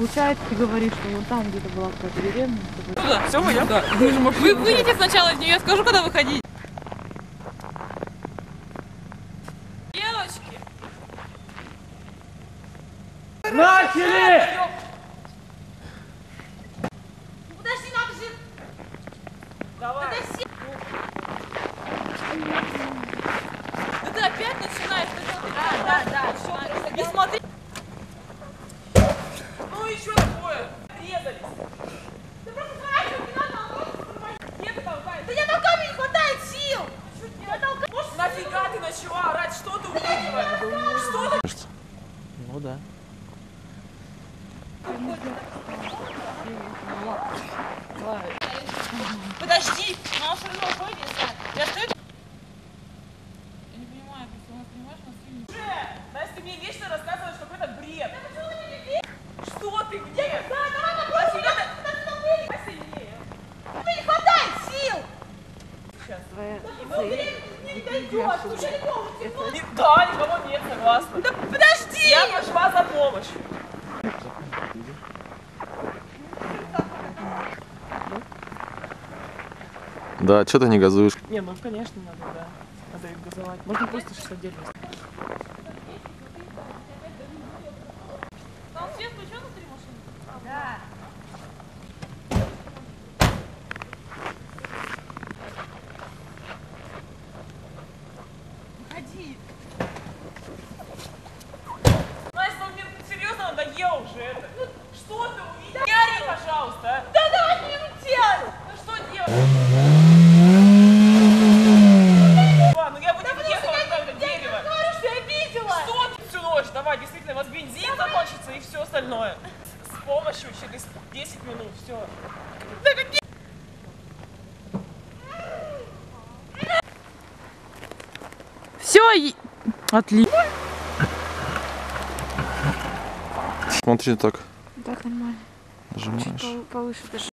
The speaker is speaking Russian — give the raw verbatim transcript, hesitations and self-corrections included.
Получается, ты говоришь, что вот там где-то была какая-то деревня. Туда, все, мы идем? Да. Вы, же Вы выйдете сначала из нее, я скажу, когда выходить. Девочки! Начали! Подожди, надо же... Давай. Подожди. Да ты опять начинаешь. Да, да, да. Не смотри. Ну еще такое. Резались. Да просто сворачивай, не надо, он просто тормозит. Где ты толкаешь? Да я толкаю, мне не хватает сил. Я толкаю. Нафига ты начала орать? Что ты увидела? Что ты? Ну да. Подожди, но он все равно уходит, я стою. Я не понимаю, если у нас, понимаешь, у нас фильм... Уже! Настя, ты мне вечно рассказываешь какой-то бред. Да почему ты не веришь? Что ты, где? Да, давай попробуем. Посильнее. Тебе не хватает сил. Сейчас. твоя Да, цель. не дойдет, уже никого не Да, никого нет, согласна. Да подожди! Я пошла за помощью. Да, что ты не газуешь? Не, ну конечно надо, да. Надо их газовать. Можно просто шестьдесят. Там свет включен внутри машины? Да. Выходи. Настя, ну мне серьезно надоело уже это. Ну, что ты увидела? Не ори, пожалуйста. Да давай не делай. Ну что делать? Ну я бы не въехала туда, это дерево. Я говорю, что я видела. Что ты всю ночь? Давай, действительно, у вас бензин закончится и все остальное. С помощью через десять минут, все. Да какие... Все, отлично. Смотри так. Так, нормально. Нажимаешь. Чуть повыше даже.